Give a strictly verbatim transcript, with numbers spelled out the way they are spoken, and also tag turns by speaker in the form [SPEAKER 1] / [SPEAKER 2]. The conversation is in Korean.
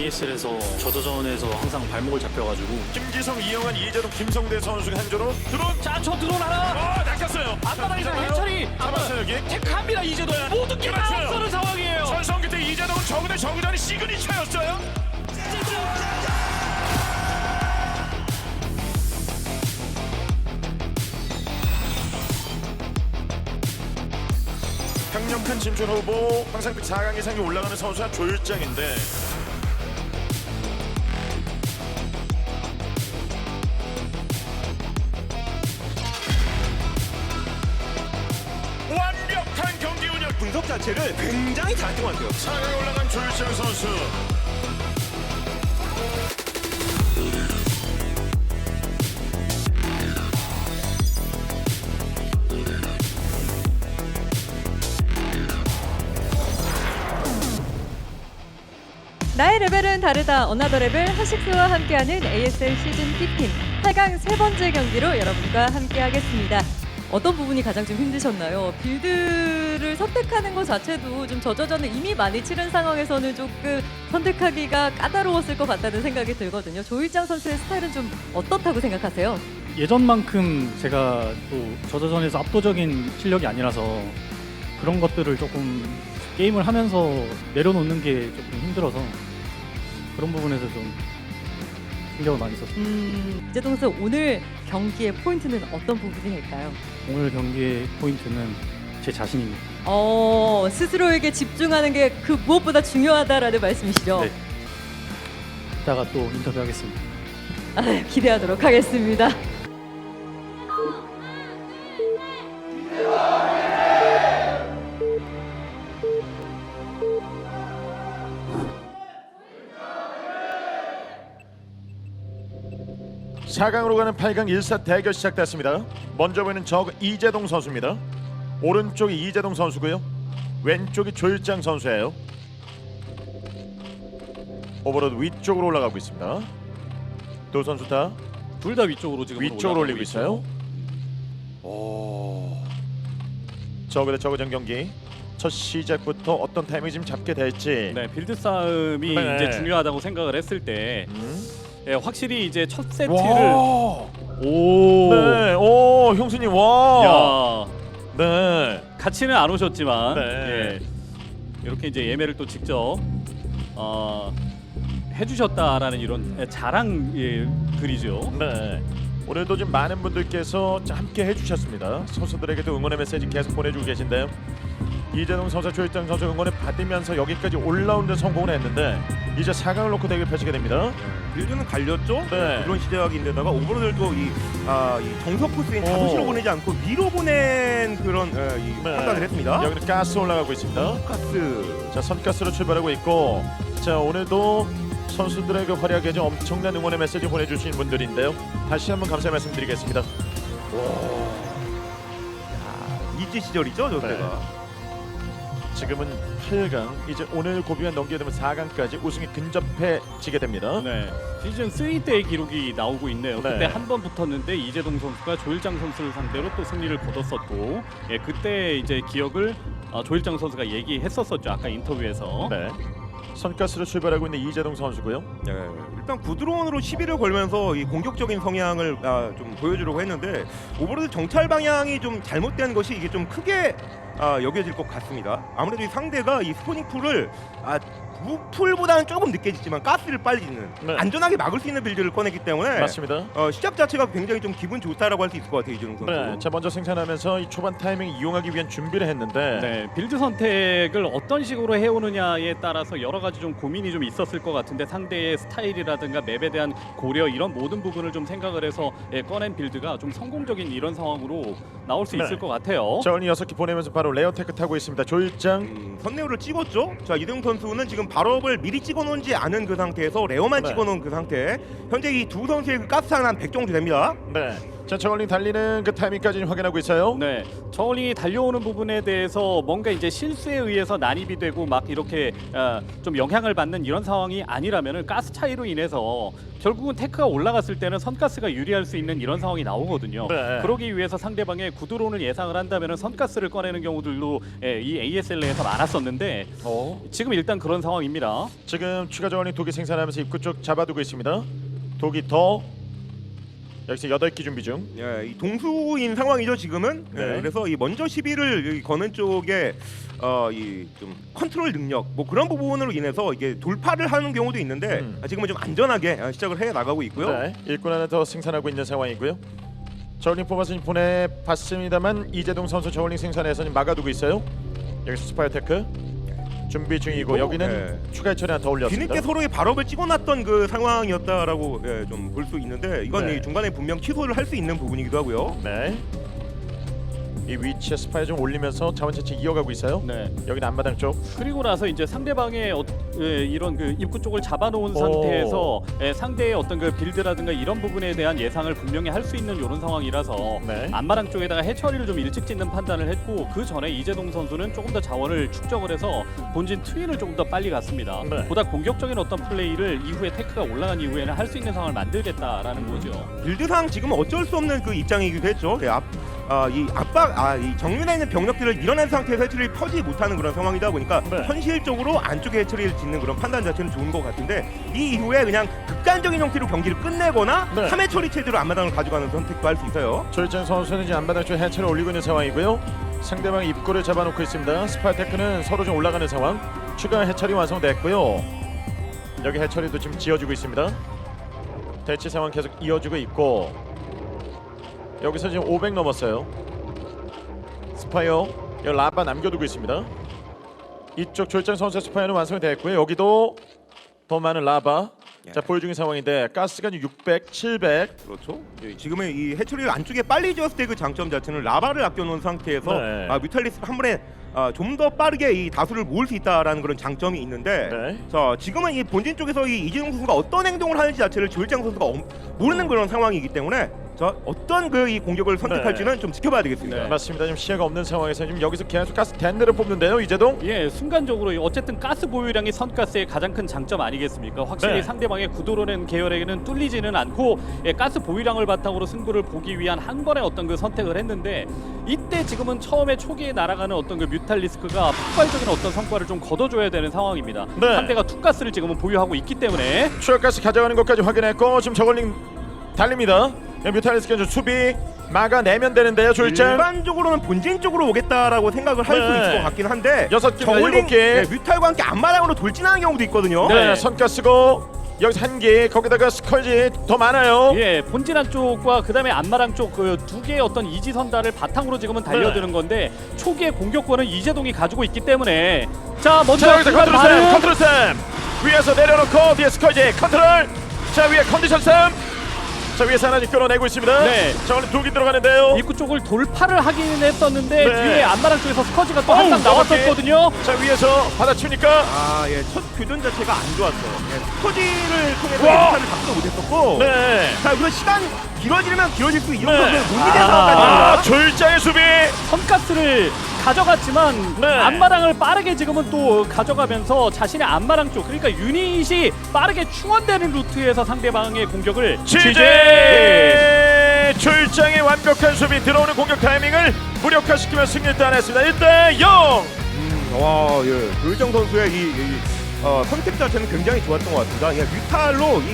[SPEAKER 1] 에이에스에서 저저전에서 항상 발목을 잡혀가지고
[SPEAKER 2] 김지성, 이영환, 이재동, 김성대 선수가 한조로 드론.
[SPEAKER 3] 자, 저 드론 하나.
[SPEAKER 2] 어, 낚였어요.
[SPEAKER 3] 앞바닥에서
[SPEAKER 2] 잡아요.
[SPEAKER 3] 해철이
[SPEAKER 2] 잡았어요 여기.
[SPEAKER 3] 택합니다. 이재동. 모든 게 다
[SPEAKER 2] 그렇죠.
[SPEAKER 3] 앞서는 상황이에요.
[SPEAKER 2] 전성기 때 이재동은 저그대 저그전이 시그니처였어요. 강력한 진출 후보, 항상 그 사 강 이상이 올라가는 선수가 조일장인데 완벽한 경기 운영.
[SPEAKER 4] 분석 자체를 굉장히 잘했던 것 같아요.
[SPEAKER 2] 사 강에 올라간 조일장 선수.
[SPEAKER 5] 나의 레벨은 다르다. 어나더 레벨 하식스와 함께하는 에이에스엘 시즌 십오 팔 강 세 번째 경기로 여러분과 함께하겠습니다. 어떤 부분이 가장 좀 힘드셨나요? 빌드를 선택하는 것 자체도 좀 저저전을 이미 많이 치른 상황에서는 조금 선택하기가 까다로웠을 것 같다는 생각이 들거든요. 조일장 선수의 스타일은 좀 어떻다고 생각하세요?
[SPEAKER 1] 예전만큼 제가 또 저저전에서 압도적인 실력이 아니라서 그런 것들을 조금 게임을 하면서 내려놓는 게 조금 힘들어서 그런 부분에서 좀 신경을 많이 썼어요.
[SPEAKER 5] 음, 이재동 선수 오늘 경기의 포인트는 어떤 부분일까요?
[SPEAKER 1] 오늘 경기의 포인트는 제 자신입니다.
[SPEAKER 5] 어, 스스로에게 집중하는 게 그 무엇보다 중요하다라는 말씀이시죠?
[SPEAKER 1] 네. 이따가 또 인터뷰하겠습니다.
[SPEAKER 5] 아, 기대하도록 하겠습니다.
[SPEAKER 2] 사 강으로 가는 팔 강 일 사 대결 시작됐습니다. 먼저 보이는 저그 이재동 선수입니다. 오른쪽이 이재동 선수고요. 왼쪽이 조일장 선수예요. 오버로드 위쪽으로 올라가고 있습니다. 두 선수 다
[SPEAKER 3] 둘 다 위쪽으로 지금
[SPEAKER 2] 위쪽으로 올리고 있어요. 오. 저그 대 저그전 경기 첫 시작부터 어떤 타이밍 좀 잡게 될지.
[SPEAKER 3] 네, 빌드 싸움이
[SPEAKER 2] 네.
[SPEAKER 3] 이제 중요하다고 생각을 했을 때
[SPEAKER 2] 음.
[SPEAKER 3] 예, 확실히 이제 첫 세트를
[SPEAKER 2] 와.
[SPEAKER 3] 오.
[SPEAKER 2] 네. 오, 형수님 와.
[SPEAKER 3] 야,
[SPEAKER 2] 네.
[SPEAKER 3] 같이는 안 오셨지만
[SPEAKER 2] 네.
[SPEAKER 3] 예, 이렇게 이제 예매를 또 직접 어, 해주셨다라는 이런 예, 자랑 예, 글이죠.
[SPEAKER 2] 네. 오늘도 좀 많은 분들께서 함께 해주셨습니다. 선수들에게도 응원의 메시지 계속 보내주고 계신데요. 이재동 선수, 조일장 선수 응원을 받으면서 여기까지 올라오는 데 성공을 했는데 이제 사 강을 놓고 대결 펼치게 됩니다.
[SPEAKER 4] 빌드는 갈렸죠.
[SPEAKER 2] 네.
[SPEAKER 4] 그런 시작인데다가 오버로드도 이, 아, 이 정석 코스인
[SPEAKER 2] 오.
[SPEAKER 4] 다도시로 보내지 않고 위로 보낸 그런 어, 이
[SPEAKER 2] 네.
[SPEAKER 4] 판단을 했습니다.
[SPEAKER 2] 여기는 가스 올라가고 있습니다.
[SPEAKER 4] 가스.
[SPEAKER 2] 자, 선가스로 출발하고 있고, 자, 오늘도 선수들에게 활약에 좀 엄청난 응원의 메시지 보내주신 분들인데요. 다시 한번 감사의 말씀드리겠습니다.
[SPEAKER 4] 이지 시절이죠, 저
[SPEAKER 2] 네.
[SPEAKER 4] 때가.
[SPEAKER 2] 지금은 팔 강, 이제 오늘 고비가 넘게 되면 사 강까지 우승이 근접해지게 됩니다.
[SPEAKER 3] 네, 시즌 삼 때의 기록이 나오고 있네요.
[SPEAKER 2] 네.
[SPEAKER 3] 그때 한 번 붙었는데 이재동 선수가 조일장 선수를 상대로 또 승리를 거뒀었고, 예, 그때 이제 기억을 어, 조일장 선수가 얘기했었었죠. 아까 인터뷰에서.
[SPEAKER 2] 네. 선가스로 출발하고 있는 이재동 선수고요.
[SPEAKER 4] 네. 일단 구드론으로 시비를 걸면서 이 공격적인 성향을 아, 좀 보여주려고 했는데 오버로드 정찰 방향이 좀 잘못된 것이 이게 좀 크게 아, 여겨질 것 같습니다. 아무래도 이 상대가 이 스포닝 풀을 아, 무풀보다는 조금 늦게 짓지만 가스를 빨리 짓는
[SPEAKER 2] 네.
[SPEAKER 4] 안전하게 막을 수 있는 빌드를 꺼냈기 때문에
[SPEAKER 2] 맞습니다.
[SPEAKER 4] 어, 시작 자체가 굉장히 좀 기분 좋다라고 할 수 있을 것 같아요, 이준웅 선수.
[SPEAKER 2] 네. 자, 먼저 생산하면서 이 초반 타이밍 이용하기 위한 준비를 했는데
[SPEAKER 3] 네, 빌드 선택을 어떤 식으로 해오느냐에 따라서 여러 가지 좀 고민이 좀 있었을 것 같은데 상대의 스타일이라든가 맵에 대한 고려 이런 모든 부분을 좀 생각을 해서 예, 꺼낸 빌드가 좀 성공적인 이런 상황으로 나올 수
[SPEAKER 2] 네.
[SPEAKER 3] 있을 것 같아요.
[SPEAKER 2] 자, 오늘 여섯 개 보내면서 바로 레어 테크 타고 있습니다. 조일장.
[SPEAKER 4] 음, 선내우를 찍었죠. 자, 이동욱 선수는 지금 발업을 미리 찍어놓지 않은 그 상태에서 레어만
[SPEAKER 2] 네.
[SPEAKER 4] 찍어놓은 그 상태. 현재 이 두 선수의 그 가스 하나 한 백 정도 됩니다.
[SPEAKER 2] 네. 자, 저울링 달리는 그 타이밍까지 확인하고 있어요.
[SPEAKER 3] 네, 저울링이 달려오는 부분에 대해서 뭔가 이제 실수에 의해서 난입이 되고 막 이렇게 어, 좀 영향을 받는 이런 상황이 아니라면은 가스 차이로 인해서 결국은 테크가 올라갔을 때는 선가스가 유리할 수 있는 이런 상황이 나오거든요.
[SPEAKER 2] 네.
[SPEAKER 3] 그러기 위해서 상대방의 구드론을 예상을 한다면은 선가스를 꺼내는 경우들도 예, 이 에이에스엘에서 많았었는데
[SPEAKER 2] 어.
[SPEAKER 3] 지금 일단 그런 상황입니다.
[SPEAKER 2] 지금 추가 저울링 독이 생산하면서 입구 쪽 잡아두고 있습니다. 독이 더 여기서 여덟 기 준비 중.
[SPEAKER 4] 예, 이 동수인 상황이죠 지금은.
[SPEAKER 2] 네.
[SPEAKER 4] 예, 그래서 이 먼저 시비를 거는 쪽에 어, 이 좀 컨트롤 능력 뭐 그런 부분으로 인해서 이게 돌파를 하는 경우도 있는데
[SPEAKER 2] 음.
[SPEAKER 4] 아, 지금은 좀 안전하게 아, 시작을 해 나가고 있고요.
[SPEAKER 2] 네, 일꾼 하나 더 생산하고 있는 상황이고요. 저울링 뽑아서 지금 보내봤습니다만 이재동 선수 저울링 생산해서 지금 막아두고 있어요. 여기서 스파이어테크 준비 중이고 여기는
[SPEAKER 4] 네.
[SPEAKER 2] 추가 처리 하나 더 올렸습니다.
[SPEAKER 4] 뒤늦게 서로의 발업을 찍어놨던 그 상황이었다라고 예, 좀 볼 수 있는데 이건
[SPEAKER 2] 네.
[SPEAKER 4] 이 중간에 분명 취소를 할 수 있는 부분이기도 하고요.
[SPEAKER 2] 네. 이 위치에 스파이 좀 올리면서 자원 채취 이어가고 있어요.
[SPEAKER 3] 네.
[SPEAKER 2] 여기는 앞마당 쪽.
[SPEAKER 3] 그리고 나서 이제 상대방의 어, 예, 이런 그 입구 쪽을 잡아놓은
[SPEAKER 2] 오.
[SPEAKER 3] 상태에서 예, 상대의 어떤 그 빌드라든가 이런 부분에 대한 예상을 분명히 할 수 있는 이런 상황이라서
[SPEAKER 2] 네.
[SPEAKER 3] 안마랑 쪽에다가 해처리를 좀 일찍 짓는 판단을 했고 그 전에 이재동 선수는 조금 더 자원을 축적을 해서 본진 트윈을 조금 더 빨리 갔습니다.
[SPEAKER 2] 네.
[SPEAKER 3] 보다 공격적인 어떤 플레이를 이후에 테크가 올라간 이후에는 할 수 있는 상황을 만들겠다라는 거죠.
[SPEAKER 4] 빌드상 지금 어쩔 수 없는 그 입장이기도 했죠. 예, 앞, 아, 이 압박, 아, 이 정면에 있는 병력들을 밀어낸 상태에서 해처리를 펴지 못하는 그런 상황이다 보니까
[SPEAKER 2] 네.
[SPEAKER 4] 현실적으로 안쪽에 해처리를 짓는 그런 판단 자체는 좋은 것 같은데 이 이후에 그냥 극단적인 형태로 경기를 끝내거나
[SPEAKER 2] 네.
[SPEAKER 4] 삼 회 처리 체제로 앞마당을 가져가는 선택도 할 수 있어요.
[SPEAKER 2] 조일장 선수는 지금 앞마당 쪽 해체를 올리고 있는 상황이고요. 상대방 입구를 잡아놓고 있습니다. 스파이테크는 서로 좀 올라가는 상황. 추가 해처리 완성됐고요. 여기 해처리도 지금 지어주고 있습니다. 대치 상황 계속 이어지고 있고 여기서 지금 오백 넘었어요. 스파이어 여기 라바 남겨두고 있습니다. 이쪽 조일장 선수의 스파이어는 완성이 됐고요. 여기도 더 많은 라바
[SPEAKER 4] 예.
[SPEAKER 2] 자 보여 중인 상황인데 가스가 지금 육백, 칠백.
[SPEAKER 4] 그렇죠. 예, 지금은 이 해처리를 안쪽에 빨리 지었을 때 그 장점 자체는 라바를 아껴놓은 상태에서
[SPEAKER 2] 네.
[SPEAKER 4] 아, 뮤탈리스 한 번에 아, 좀 더 빠르게 이 다수를 모을 수 있다라는 그런 장점이 있는데
[SPEAKER 2] 네.
[SPEAKER 4] 자 지금은 이 본진 쪽에서 이 이재동 선수가 어떤 행동을 하는지 자체를 조일장 선수가 엄, 모르는 그런 상황이기 때문에 자 어떤 그 이 공격을 선택할지는 좀 지켜봐야 되겠습니다.
[SPEAKER 3] 네.
[SPEAKER 2] 맞습니다. 지금 시야가 없는 상황에서 지금 여기서 계속 가스 댄드를 뽑는데요, 이재동.
[SPEAKER 3] 예, 순간적으로 어쨌든 가스 보유량이 선가스의 가장 큰 장점 아니겠습니까? 확실히
[SPEAKER 2] 네.
[SPEAKER 3] 상대방의 구도로는 계열에게는 뚫리지는 않고 예, 가스 보유량을 바탕으로 승부를 보기 위한 한 번의 어떤 그 선택을 했는데 이때 지금은 처음에 초기에 날아가는 어떤 그 뮤탈리스크가 폭발적인 어떤 성과를 좀 거둬줘야 되는 상황입니다.
[SPEAKER 2] 네.
[SPEAKER 3] 상대가 투가스를 지금은 보유하고 있기 때문에
[SPEAKER 2] 추가 가스 가져가는 것까지 확인했고 지금 저걸링 달립니다. 뮤탈리스크 수비 막아내면 되는데요, 조일장.
[SPEAKER 4] 일반적으로는 본진 쪽으로 오겠다라고 생각을 할 수
[SPEAKER 2] 네.
[SPEAKER 4] 있을 것 같긴 한데
[SPEAKER 2] 여섯 개,
[SPEAKER 4] 저울링
[SPEAKER 2] 일곱 개.
[SPEAKER 4] 예, 뮤탈과 함께 앞마당으로 돌진하는 경우도 있거든요.
[SPEAKER 2] 네,
[SPEAKER 3] 네.
[SPEAKER 2] 선가스고 여기서 한 개, 거기다가 스컬지 더 많아요.
[SPEAKER 3] 예, 본진 한쪽과 그다음에 안마랑 쪽 그 두 개의 어떤 이지선다를 바탕으로 지금은 달려드는
[SPEAKER 2] 네.
[SPEAKER 3] 건데 초기의 공격권은 이재동이 가지고 있기 때문에 자 먼저
[SPEAKER 2] 자, 여기서
[SPEAKER 3] 순간
[SPEAKER 2] 컨트롤
[SPEAKER 3] 반응.
[SPEAKER 2] 쌤, 컨트롤 쌤 위에서 내려놓고 뒤에 스컬지 컨트롤. 자 위에 컨디션 쌤. 자 위에서 하나씩 끌어내고 있습니다.
[SPEAKER 3] 네.
[SPEAKER 2] 자 오늘 두개 들어가는데요.
[SPEAKER 3] 입구 쪽을 돌파를 하기는 했었는데
[SPEAKER 2] 네.
[SPEAKER 3] 뒤에 안마랑 쪽에서 스커지가 또
[SPEAKER 2] 어우,
[SPEAKER 3] 한 방 나왔었거든요.
[SPEAKER 2] 자 위에서 받아치니까
[SPEAKER 4] 아, 예, 첫 교전 자체가 안 좋았어요. 예, 스커지를 통해서
[SPEAKER 2] 와!
[SPEAKER 4] 예상을 잡지도 못했었고,
[SPEAKER 2] 네.
[SPEAKER 4] 자, 우선 시간 길어지면 길어질 수 이런
[SPEAKER 2] 네.
[SPEAKER 4] 것은 못 이길
[SPEAKER 3] 아.
[SPEAKER 4] 상황까지입니다.
[SPEAKER 2] 아 조일장의 수비.
[SPEAKER 3] 선가스를 가져갔지만
[SPEAKER 2] 네.
[SPEAKER 3] 안마랑을 빠르게 지금은 또 가져가면서 자신의 안마랑 쪽 그러니까 유닛이 빠르게 충원되는 루트에서 상대방의 공격을
[SPEAKER 2] 지제 조일장의 완벽한 수비 들어오는 공격 타이밍을 무력화시키며 승리를 따냈습니다. 일 대 영.
[SPEAKER 4] 음, 와, 예, 조일장 선수의 이, 이 어, 선택 자체는 굉장히 좋았던 것 같습니다. 예, 뮤탈로 이